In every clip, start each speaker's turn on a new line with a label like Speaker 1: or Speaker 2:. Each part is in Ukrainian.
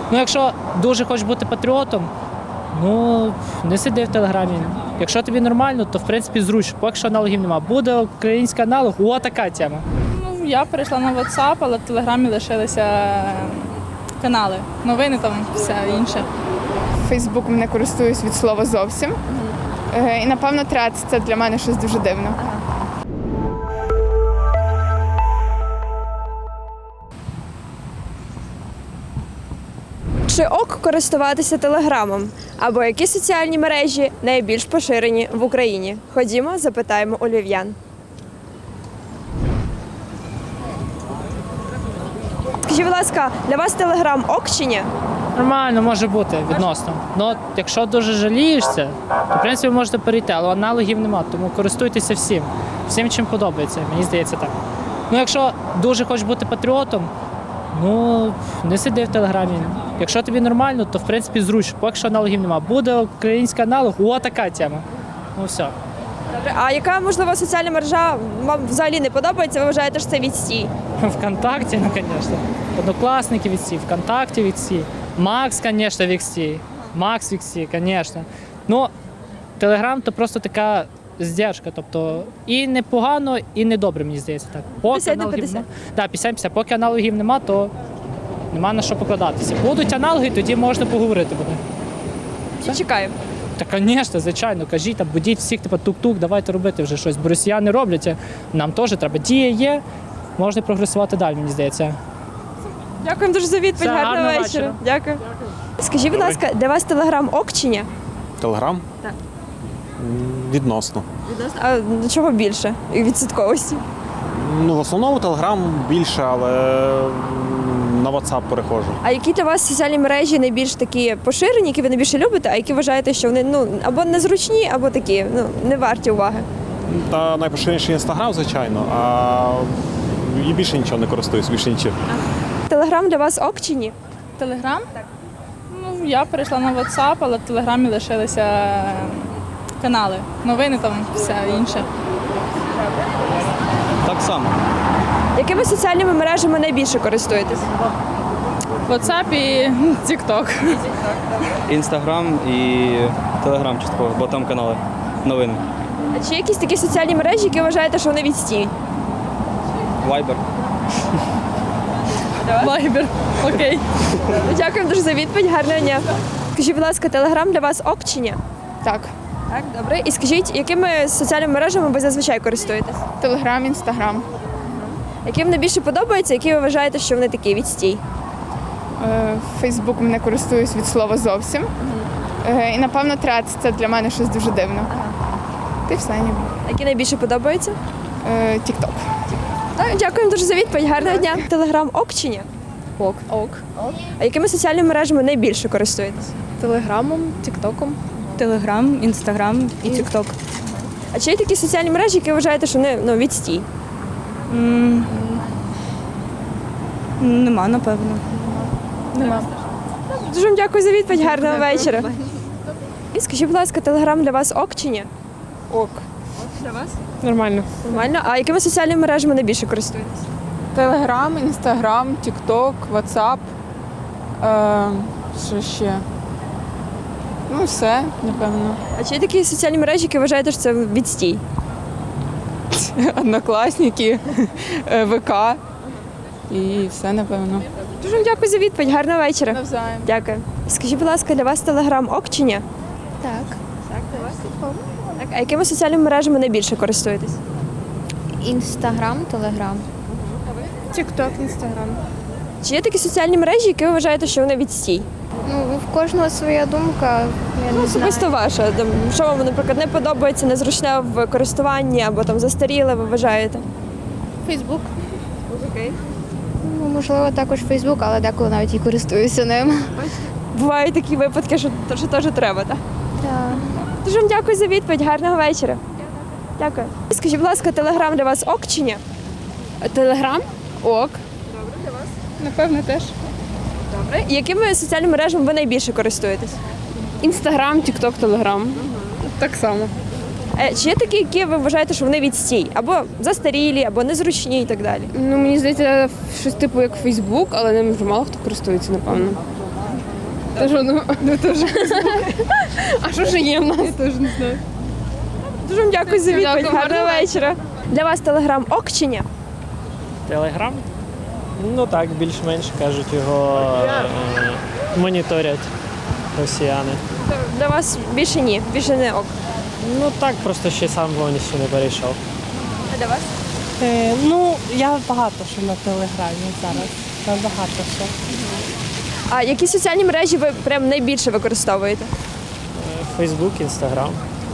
Speaker 1: Ну, якщо дуже хочеш бути патріотом, ну, не сиди в Телеграмі. Якщо тобі нормально, то в принципі зручно, поки що аналогів нема. Буде український аналог, о, така тема.
Speaker 2: Ну, я перейшла на WhatsApp, але в Телеграмі лишилися канали, новини там, все інше.
Speaker 3: Фейсбуком не користуюсь від слова зовсім. І, напевно, Threads – це для мене щось дуже дивно.
Speaker 4: Чи ок користуватися телеграмом? Або які соціальні мережі найбільш поширені в Україні? Ходімо, запитаємо у львів'ян. Скажіть, будь ласка, для вас телеграм ок чи ні?
Speaker 1: Нормально може бути відносно. Ну, якщо дуже жалієшся, то в принципі можете перейти, але аналогів нема, тому користуйтеся всім. Всім, чим подобається, мені здається так. Ну, якщо дуже хочеш бути патріотом, ну, не сиди в Телеграмі. Якщо тобі нормально, то в принципі зручно, поки що аналогів нема. Буде український аналог, о, така тема. Ну, все.
Speaker 4: Добре. А яка, можливо, соціальна мережа вам взагалі не подобається, ви вважаєте, що це відстій?
Speaker 1: ВКонтакті, ну, звісно. Однокласники відсі, ВКонтакті відсі. Макс, звісно, відсі. Макс відсі, звісно. Ну, Телеграм – то просто така здержка, тобто і непогано, і недобре, мені здається. Так. Поки
Speaker 4: 50 на
Speaker 1: аналогів
Speaker 4: 50.
Speaker 1: Так, 50-50. Поки аналогів нема, то нема на що покладатися. Будуть аналоги, тоді можна поговорити буде.
Speaker 4: Чи чекаємо?
Speaker 1: Та, звісно, звичайно, кажіть, там, будіть всіх, типу, тук-тук, давайте робити вже щось. Бо росіяни роблять, а нам теж треба. Дія є, можна прогресувати далі, мені здається.
Speaker 4: Дякуємо дуже за відповідь,
Speaker 1: Все,
Speaker 4: гарного
Speaker 1: гарного
Speaker 4: вечора.
Speaker 1: вечора.
Speaker 4: Дякую. Скажіть, будь ласка, для вас телеграм ок чи ні?
Speaker 5: Телеграм?
Speaker 4: Так.
Speaker 5: Відносно.
Speaker 4: А до чого більше? Відсотковості?
Speaker 5: Ну, в основному Телеграм більше, але на WhatsApp переходжу.
Speaker 4: А які для вас соціальні мережі найбільш такі поширені, які ви найбільше любите, а які вважаєте, що вони або незручні, або такі не варті уваги?
Speaker 5: Та найпоширеніший Інстаграм, звичайно, а і більше нічого не користуюсь, більше нічого.
Speaker 4: Телеграм для вас ок чи ні?
Speaker 2: Телеграм? Так. Ну, я перейшла на WhatsApp, але в Телеграмі лишилися канали, новини там, все інше.
Speaker 6: Так само.
Speaker 4: Якими соціальними мережами найбільше користуєтесь?
Speaker 2: WhatsApp і TikTok.
Speaker 6: Інстаграм і Телеграм частково, бо там канали новини.
Speaker 4: А чи є якісь такі соціальні мережі, які вважаєте, що вони відстій?
Speaker 6: Вайбер.
Speaker 2: Viber. Окей.
Speaker 4: Дякуємо дуже за відповідь, гарного дня. Скажіть, будь ласка, телеграм для вас ок чи ні?
Speaker 3: Так.
Speaker 4: Так, добре. І скажіть, якими соціальними мережами ви зазвичай користуєтесь?
Speaker 3: Телеграм, Інстаграм.
Speaker 4: Які вам найбільше подобаються, які ви вважаєте, що вони такі відстій?
Speaker 3: Фейсбуком не користуюсь від слова зовсім. І, напевно, Threads – це для мене щось дуже дивно. Ти все ніби.
Speaker 4: Які найбільше подобаються?
Speaker 3: Тік-ток.
Speaker 4: Так, дякуємо дуже за відповідь, гарного дня. Телеграм ок чи ні?
Speaker 7: Ок.
Speaker 4: А якими соціальними мережами найбільше користуєтесь?
Speaker 7: Телеграмом, Тіктоком. Телеграм, Інстаграм і Тікток.
Speaker 4: А чи є такі соціальні мережі, які вважаєте, що вони відстій?
Speaker 7: Нема, напевно.
Speaker 3: Нема.
Speaker 4: Дуже вам дякую за відповідь, гарного вечора. І скажіть, будь ласка, телеграм для вас ок чи ні?
Speaker 3: Ок.
Speaker 4: Для вас?
Speaker 3: Нормально.
Speaker 4: Нормально. А якими соціальними мережами найбільше користуєтесь?
Speaker 3: Телеграм, Інстаграм, Тік-ток, Ватсап. Що ще? Ну, все, напевно.
Speaker 4: А чи є такі соціальні мережі, які вважаєте, що це відстій?
Speaker 3: Однокласники, ВК і все, напевно.
Speaker 4: Дуже вам дякую за відповідь, гарного вечора.
Speaker 3: Навзаєм.
Speaker 4: Дякую. Скажіть, будь ласка, для вас телеграм ок чи ні?
Speaker 8: Так,
Speaker 4: Так. А якими соціальними мережами найбільше користуєтесь?
Speaker 8: Інстаграм, Телеграм.
Speaker 3: Тік-ток, Інстаграм.
Speaker 4: Чи є такі соціальні мережі, які ви вважаєте, що вони відстій?
Speaker 8: Ну, в кожного своя думка, я не знаю.
Speaker 4: Особисто ваша. Там, що вам, наприклад, не подобається, незручне в користуванні або там застаріле, ви вважаєте?
Speaker 8: Фейсбук.
Speaker 4: Окей.
Speaker 8: Ну, можливо, також Фейсбук, але деколи навіть і користуюся ним.
Speaker 4: Бувають такі випадки, що теж треба, так?
Speaker 8: Так.
Speaker 4: Дуже вам дякую за відповідь, гарного вечора. Дякую. Скажіть, будь ласка, телеграм для вас ок чи ні?
Speaker 3: Телеграм? Ок. Напевно, теж.
Speaker 4: Добре. І якими соціальними мережами ви найбільше користуєтесь?
Speaker 3: Інстаграм, Тік-ток, Телеграм. Так само.
Speaker 4: Чи є такі, які ви вважаєте, що вони відстій? Або застарілі, або незручні і так далі?
Speaker 3: Ну, мені здається, щось типу як Фейсбук, але ним вже мало хто користується, напевно. Та що, ну теж. А що ж є в нас? Я теж не знаю.
Speaker 4: Дуже вам дякую за відповідь.
Speaker 3: Дякую,
Speaker 4: Гарного
Speaker 3: гарного
Speaker 4: вечора. Для вас телеграм ок чи ні?
Speaker 9: Телеграм? Ну так, більш-менш кажуть, його моніторять росіяни.
Speaker 4: Для вас більше ні, більше не ок.
Speaker 9: Ну так, просто ще сам повністю не перейшов.
Speaker 4: А для вас?
Speaker 10: Ну, я багато що на телеграмі зараз. Набагато що.
Speaker 4: А які соціальні мережі ви прям найбільше використовуєте?
Speaker 9: Фейсбук, Інстаграм.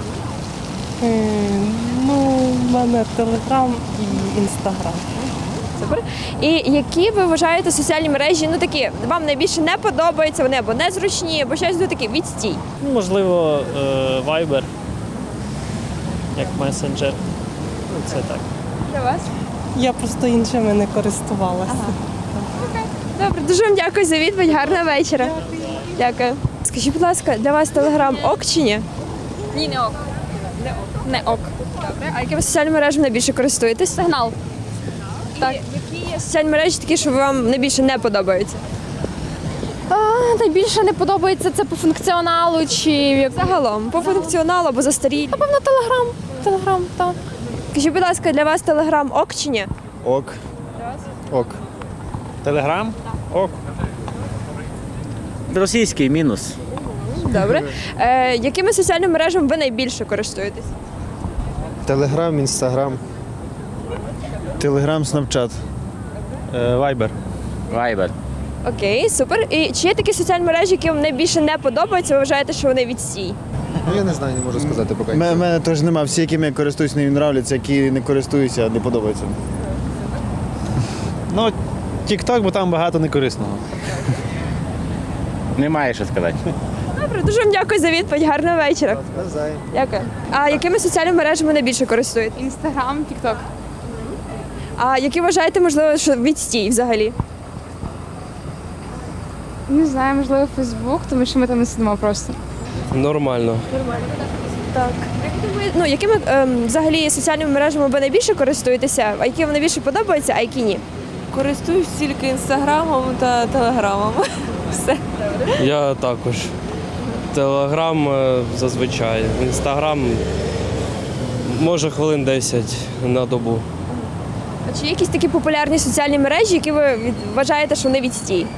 Speaker 10: Ну, в мене телеграм і інстаграм.
Speaker 4: Супер. І які ви вважаєте соціальні мережі, ну такі, вам найбільше не подобаються, вони або незручні, або щось ну, таке відстій?
Speaker 9: Ну, можливо, Viber, як месенджер. Ну, це так.
Speaker 4: Для вас?
Speaker 10: Я просто іншими не користувалася.
Speaker 4: Добре, дуже вам дякую за відповідь. Гарного вечора. Дякую. Скажіть, будь ласка, для вас телеграм ок чи ні?
Speaker 2: Ні, не ок. Не ок.
Speaker 4: Добре. А якими соціальними мережами найбільше користуєтесь?
Speaker 2: Сигнал.
Speaker 4: Так. Які є соціальні мережі такі, що вам найбільше не подобаються?
Speaker 2: Найбільше не подобається це по функціоналу чи
Speaker 4: Загалом, по функціоналу або застарілі.
Speaker 2: напевно Телеграм. Телеграм, так.
Speaker 4: Скажіть, будь ласка, для вас телеграм ок чи ні?
Speaker 5: Ок. Ок.
Speaker 11: Телеграм? Ок. Російський мінус.
Speaker 4: Добре. Якими соціальними мережами ви найбільше користуєтесь?
Speaker 12: Телеграм, інстаграм. Телеграм, снапчат.
Speaker 11: Вайбер. Вайбер.
Speaker 4: Окей, супер. І чи є такі соціальні мережі, які вам найбільше не подобаються, ви вважаєте, що вони відстій?
Speaker 12: Ну, я не знаю, не можу сказати поки. У мене теж нема. Всі, якими я користуюсь, не нравляться, які не користуюся, не подобаються.
Speaker 11: Ну, TikTok, бо там багато некорисного. Немає що сказати.
Speaker 4: Добре, дуже вам дякую за відповідь. Гарного вечора.
Speaker 12: Навзаєм.
Speaker 4: Дякую. А якими соціальними мережами найбільше користуєтесь?
Speaker 3: Інстаграм, Тікток.
Speaker 4: А які вважаєте, можливо, що відстій взагалі?
Speaker 3: Не знаю, можливо, Фейсбук, тому що ми там не сидимо просто.
Speaker 6: Нормально.
Speaker 4: Так. Ну, якими взагалі соціальними мережами ви найбільше користуєтеся, а які вам найбільше подобаються, а які ні?
Speaker 10: Користуюсь тільки інстаграмом та телеграмом. Все.
Speaker 6: Я також. Телеграм зазвичай. Інстаграм може хвилин 10 на добу.
Speaker 4: А чи є якісь такі популярні соціальні мережі, які ви вважаєте, що вони відстій?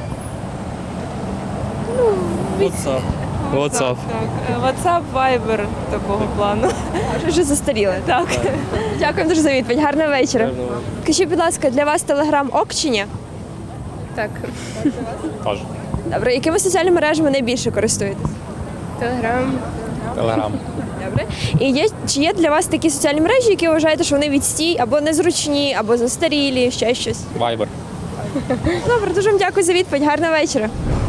Speaker 6: WhatsApp. WhatsApp.
Speaker 10: WhatsApp, Viber такого плану.
Speaker 4: Вже застаріли. Так. Дякую дуже за відповідь. Гарного вечора. Скажіть, будь ласка, для вас телеграм ок чи ні?
Speaker 3: Так.
Speaker 5: Тож.
Speaker 4: Добре, якими соціальними мережами найбільше користуєтесь?
Speaker 3: Телеграм.
Speaker 5: Телеграм.
Speaker 4: Добре. І чи є для вас такі соціальні мережі, які вважаєте, що вони відстій, або незручні, або застарілі, ще щось?
Speaker 5: Вайбер.
Speaker 4: Добре, дуже вам дякую за відповідь. Гарного вечора.